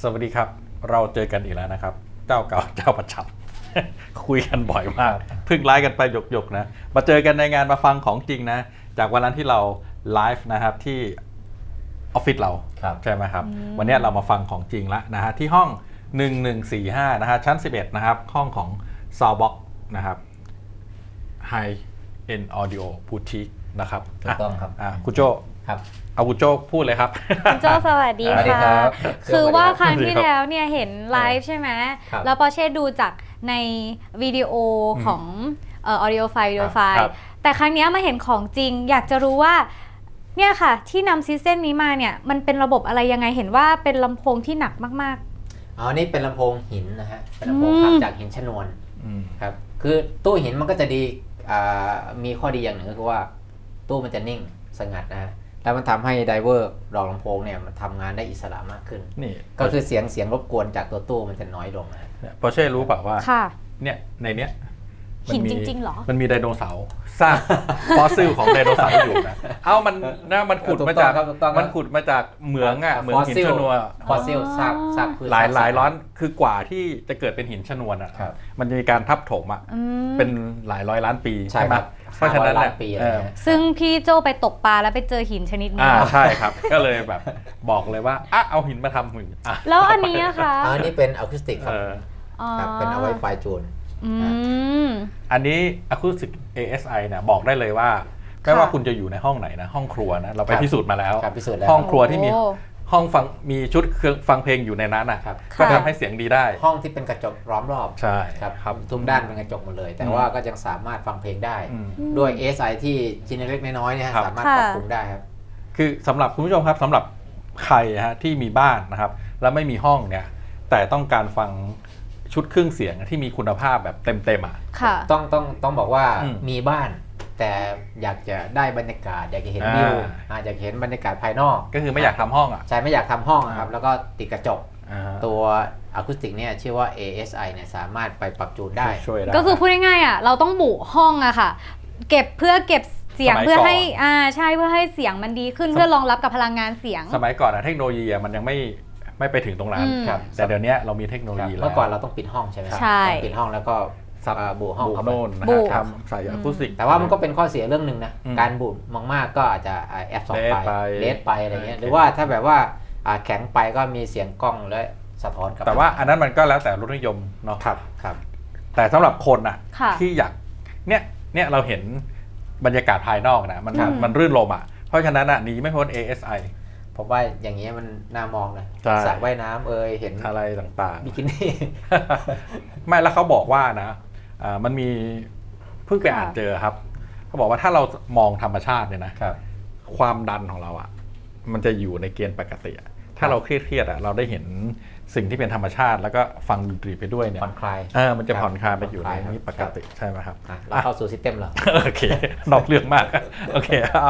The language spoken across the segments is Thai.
สวัสดีครับเราเจอกันอีกแล้วนะครับเจ้าเก่าเจ้าประจำ คุยกันบ่อยมากเพิ่งไลฟ์กันไปหยกๆนะมาเจอกันในงานมาฟังของจริงนะจากวันนั้นที่เราไลฟ์นะครับที่ออฟฟิศเราใช่ไหมครับวันนี้เรามาฟังของจริงแล้วนะฮะที่ห้อง1145นะฮะชั้น11นะครับห้องของ Soundbox นะครับ High End Audio Boutique นะครับถูกต้องครับคุณโจครับเอาคุณโจพูดเลยครับคุณโจสวัสดีค่ะคือว่าครั้งที่แล้วเนี่ยเห็นไลฟ์ใช่ไหมแล้วปอเช่ดูจากในวิดีโอของaudio file แต่ครั้งนี้มาเห็นของจริงอยากจะรู้ว่าเนี่ยค่ะที่นำซิสเต็มนี้มาเนี่ยมันเป็นระบบอะไรยังไงเห็นว่าเป็นลำโพงที่หนักมากๆนี่เป็นลำโพงหินนะฮะเป็นลำโพงทำจากหินชนวนครับคือตู้หินมันก็จะดีมีข้อดีอย่างหนึ่งก็คือว่าตู้มันจะนิ่งสงัดนะฮะแล้วมันทำให้ไดเวอร์ดอกลำโพงเนี่ยมันทำงานได้อิสระมากขึ้นนี่ก็คือเสียงรบกวนจากตัวตู้มันจะน้อยลงนะปอเช่รู้เปล่าว่าเนี่ยในเนี้ยหินจริงๆหรอมันมีไดโนเสาร์ซากฟอสซิลของไดโนเสาร์อยู่นะมันขุดมาจากเหมืองเหมืองหินชนวนฟอสซิลซากหลายร้อนคือกว่าที่จะเกิดเป็นหินชนวนมันจะมีการทับถมเป็นหลายร้อยล้านปีใช่ไหมเพราะฉะนั้นซึ่งพี่โจไปตกปลาแล้วไปเจอหินชนิดนี้ใช่ครับก็เลยแบบบอกเลยว่าเอาหินมาทำหุ่นแล้วอันนี้นะคะอันนี้เป็นอะคูสติกครับเป็นเอาไว้ไฟจูนอันนี้ Acoustic ASI เนี่ยบอกได้เลยว่าไม่ว่าคุณจะอยู่ในห้องไหนนะห้องครัวนะเราไปพิสูจน์มาแล้วห้องครัวที่มีห้องฟังมีชุดเครื่องฟังเพลงอยู่ในนั้นนะครับก็ทำให้เสียงดีได้ห้องที่เป็นกระจกล้อมรอบใช่ครับทุกด้านเป็นกระจกหมดเลยแต่ว่าก็ยังสามารถฟังเพลงได้ด้วย ASI ที่ชิ้นเล็กน้อยเนี่ยสามารถปรับปรุงได้ครับคือสำหรับคุณผู้ชมครับสำหรับใครฮะที่มีบ้านนะครับแล้วไม่มีห้องเนี่ยแต่ต้องการฟังชุดเครื่องเสียงที่มีคุณภาพแบบเต็มต้องบอกว่ามีบ้านแต่อยากจะได้บรรยากาศอยากจะเห็นวิวอยากเห็นบรรยากาศภายนอกก็คือไม่อยากทำห้องใช่ไม่อยากทำห้องครับแล้วก็ติดกระจกตัวอะคูสติกเนี่ยชื่อว่า ASI เนี่ยสามารถไปปรับจูนได้ก็คือพูดง่ายๆเราต้องบุห้องอะค่ะเก็บเพื่อเก็บเสียงเพื่อให้ใช่เพื่อให้เสียงมันดีขึ้นเพื่อรองรับกับพลังงานเสียงสมัยก่อนเทคโนโลยีมันยังไม่ไปถึงตรงนั้นแต่เดี๋ยวนี้เรามีเทคโนโลยีแล้วเมื่อก่อนเราต้องปิดห้องใช่ไหมใช่ปิดห้องแล้วก็บูห้องโน่นนะครับใส่อะคูสติกแต่ว่ามันก็เป็นข้อเสียเรื่องหนึ่งนะการบูดมากๆก็อาจจะแอบสองไปเลสไปอะไรเงี้ยหรือว่าถ้าแบบว่าแข็งไปก็มีเสียงกล้องและสะท้อนกลับแต่ว่าอันนั้นมันก็แล้วแต่รสนิยมเนาะครับแต่สำหรับคนที่อยากเนี่ยเราเห็นบรรยากาศภายนอกนะมันรื่นรมเพราะฉะนั้นหนีไม่พ้น ASI ผมว่าอย่างนี้มันน่ามองนะสระว่ายน้ำเห็นอะไรต่างๆบิกินี่ไม่แล้วเขาบอกว่านะมันมีเพิ่งไปอ่านเจอครับเขาบอกว่าถ้าเรามองธรรมชาติเนี่ยนะความดันของเรามันจะอยู่ในเกณฑ์ปกติถ้าเราเครียดเราได้เห็นสิ่งที่เป็นธรรมชาติแล้วก็ฟังดนตรีไปด้วยเนี่ยผ่อนคลายมันจะผ่อนคลายไปอยู่ในนี้ปกติใช่ไหมครับเราเข้าสู่ซิสเต็มแล้วโอเคนอกเรื่องมากโอเคเอา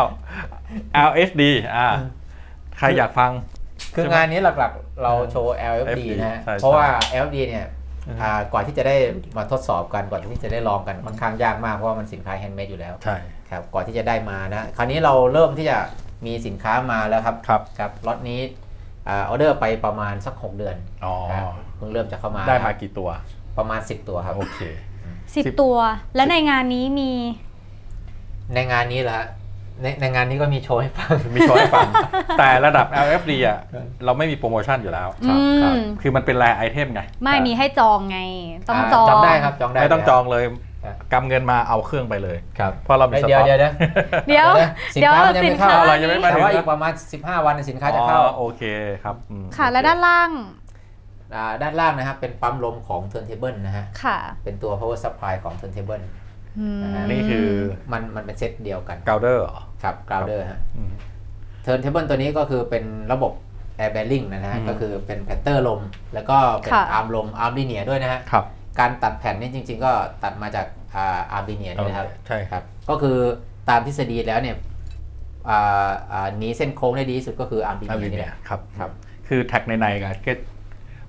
LSD ใครอยากฟังคืองานนี้หลักๆเราโชว์ LFD นะเพราะว่า LFD เนี่ยก่อนที่จะได้มาทดสอบกันก่อนที่จะได้ลองกันค่อนข้างยากมากเพราะว่ามันสินค้าแฮนด์เมดอยู่แล้วใช่ครับก่อนที่จะได้มานะคราวนี้เราเริ่มที่จะมีสินค้ามาแล้วครับครับล็อตนี้ออเดอร์ไปประมาณสัก6 เดือนเพิ่งเริ่มจะเข้ามาได้มากี่ตัวประมาณ10 ตัวครับโอเค 10 ตัวแล้วในงานนี้มีในงานนี้เหรอในงานนี้ก็มีโชว์ให้ฟังแต่ระดับ LFD เราไม่มีโปรโมชั่นอยู่แล้วคือมันเป็นแรไอเทมไงไม่มีให้จองไงต้องจองได้ครับจองได้ไม่ต้องจองเลยกำเงินมาเอาเครื่องไปเลยเพราะเรามีสต็อกเดี๋ยวสินค้ามันยังไม่เข้าอะไรยังไม่มาแต่ว่าอีกประมาณ15 วันสินค้าจะเข้าโอเคครับค่ะแล้วด้านล่างนะครับเป็นปั๊มลมของ Turntable นะฮะเป็นตัว power supply ของ Turntable นี่คือมันเป็นเซตเดียวกันกราวเดอร์ครับกราวเดอร์ฮะเทิร์นเทเบิลตัวนี้ก็คือเป็นระบบ Air Bearing นะฮะก็คือเป็นแพตเตอร์ลมแล้วก็เป็นอาร์มลมอาร์มลีเนียด้วยนะฮะการตัดแผ่นนี่จริงๆก็ตัดมาจากอาร์มลีเนียนี่นะครับใช่ครับก็คือตามทฤษฎีแล้วเนี่ยหนีเส้นโค้งได้ดีที่สุดก็คืออาร์มลีเนียนี่แหละครับคือแท็กในๆกัน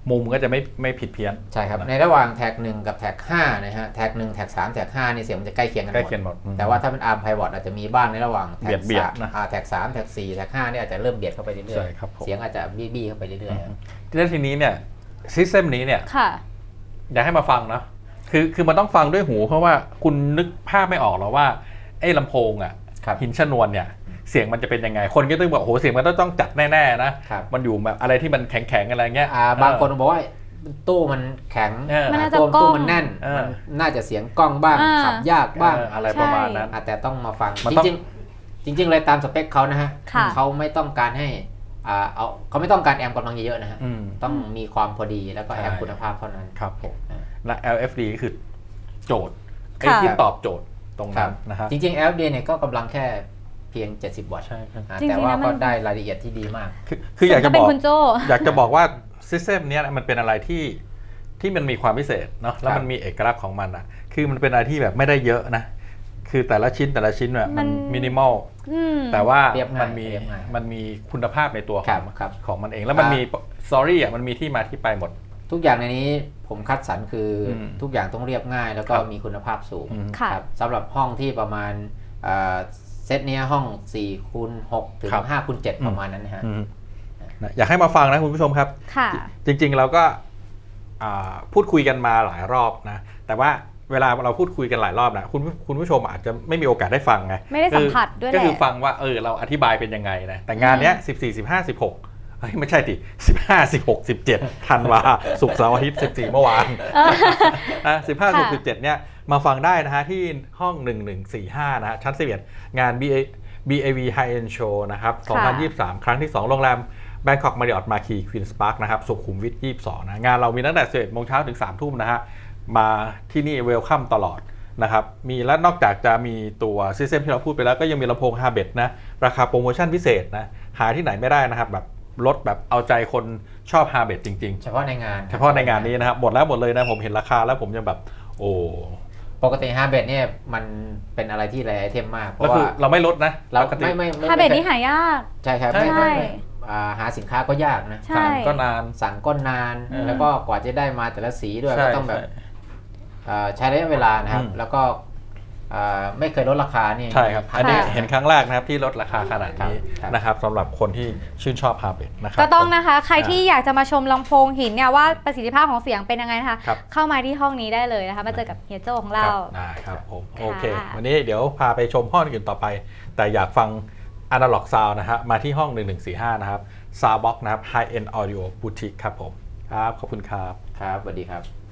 มุมก็จะไม่ผิดเพี้ยนใช่ครับในระหว่างแท็ก1กับแท็ก5นะฮะแท็ก1แท็ก3แท็ก5นี่เสียงมันจะใกล้เคียงกันใกล้เคียงหมดแต่ว่าถ้าเป็น ARM Pivot อาจจะมีบ้างในระหว่างแท็กเบียดนะแท็ก3แท็ก4แท็ก5นี่อาจจะเริ่มเบียดเข้าไปเรื่ใช่อยครับผมๆเสียงอาจจะบี้ๆเข้าไปเรื่อยๆครับทีนี้เนี่ยซิสเต็มนี้เนี่ยค่ะอยากให้มาฟังนะคือมันต้องฟังด้วยหูเพราะว่าคุณนึกภาพไม่ออกหรอกว่าไอ้ลำโพงอ่ะครับหินชนวนเนี่ยเสียงมันจะเป็นยังไงคนก็ต้องบอกโอ้โหเสียงมันต้องจัดแน่ๆนะครับ มันอยู่แบบอะไรที่มันแข็งๆอะไรเงี้ยบางคนบอกว่าตู้มันแข็งมันน่าจะตู้กล้องมันแน่นเออมันน่าจะเสียงกล้องบ้าง ขับยากบ้างอะไรประมาณนั้นแต่ต้องมาฟังมันจต้องริงๆเลยตามสเปคเขานะฮะค่ะเขาไม่ต้องการให้เขาไม่ต้องการแอมป์กำลังเยอะๆนะฮะอืมต้องมีความพอดีแล้วก็ใช่แอมป์คุณภาพเท่านั้นครับผมอ่าและ LFD ก็คือโจทย์ไอ้ค่ะที่ตอบโจทย์ตรงครันั้บนนะฮะจริงๆ LFD เนี่ยก็กำลังแค่เพียง 70 วัตต์ใช่ครับจริงๆแต่ว่านะมันก็ได้รายละเอียดที่ดีมากคืออยากจะเป็บนอกคุณโจอยากจะบอกว่าซิสเต็มเนี้ยมันเป็นอะไรที่มันมีความพิเศษเนาะแล้วครับมันมีเอกลักษณ์ของมันอ่ะคือมันเป็นอะไรที่แบบไม่ได้เยอะนะคือแต่ละชิ้นเนี่ยมันมินิมอลอืมแต่ว่าเรียบง่ายมันมีเรียบง่ายมันมีคุณภาพในตัวขครัองบครับของมันเองแล้วมันมีสตอรี่อ่ะมันมีที่มาที่ไปหมดทุกอย่างในนี้ผมคัดสรรคืออมทุกอย่างต้องเรียบง่าย แล้วก็ครับมีคุณภาพสูงอืมค่ะครับสำหรับห้องที่ประมาณเซตเนี้ยห้อง4คูณ6ถึงครับ 5คูณ7ประมาณนั้นนะฮะอืมนะอยากให้มาฟังนะคุณผู้ชมครับค่ะจริงๆเราก็พูดคุยกันมาหลายรอบนะแต่ว่าเวลาเราพูดคุยกันหลายรอบนะคุณผู้ชมอาจจะไม่มีโอกาสได้ฟังไงไม่ได้สัมผัสด้วยแหละก็คือฟังว่าเราอธิบายเป็นยังไงนะแต่งานเนี้ย14 15 16ไม่ใช่ดิ15 16 17ธันวาศุกร์เสาร์อาทิตย์14เมื่อวานนะ15 16 17เนี่ยมาฟังได้นะฮะที่ห้อง 1145นะฮะชั้น11งาน BAV High End Show นะครับ 2023 ครั้งที่ 2 โรงแรม Bangkok Marriott Marquis Queen's Park นะครับสุขุมวิท 22 นะงานเรามีตั้งแต่ 11 โมงเช้าถึง 3 ทุ่มนะฮะมาที่นี่เวลคัมตลอดนะครับมีและนอกจากจะมีตัวซิสเต็มที่เราพูดไปแล้วก็ยังมีลำโพง Harbet นะราคาโปรโมชั่นพิเศษนะหาที่ไหนไม่ได้นะครับแบบลดแบบเอาใจคนชอบ Harbet จริงเฉพาะในงานๆ เฉพาะในงานนี้นะครับหมดเลยนะผมเห็นราคาแล้วผมยังแบบโอ้ปกติฮาร์เบดเนี่ยมันเป็นอะไรที่แรไอเทมมากเพแล้วราะคือว่าเราไม่ลดนะเราปกติไม่ถ้าเบสนี้หายากใช่ครับใช่ไม่หาสินค้าก็ยากนะใช่ก็นานสั่งก็นาน แล้วก็กว่าจะได้มาแต่ละสีด้วยใช่ก็ต้องแบบใช้ระยะเวลานะครับอืมแล้วก็ไม่เคยลดราคานี่ใช่ครับอันนี้ค่ะเห็นครั้งแรกนะครับที่ลดราคาขนาดนี้ครับนะครับสำหรับคนที่ชื่นชอบ Harbet นะครับก็ต้องนะคะ ใครที่อยากจะมาชมลำโพงหินเนี่ยว่าประสิทธิภาพของเสียงเป็นยังไงนะคะครับเข้ามาที่ห้องนี้ได้เลยนะคะ มาเจอกับเฮียโจของเราได้ครับผมค่ะโอเค วันนี้เดี๋ยวพาไปชมห้องอื่นต่อไป แต่อยากฟัง Analog Sound นะฮะมาที่ห้อง 1145 นะครับ Soundbox นะครับ High End Audio Boutique ครับผมครับขอบคุณครับครับสวัสดีครับ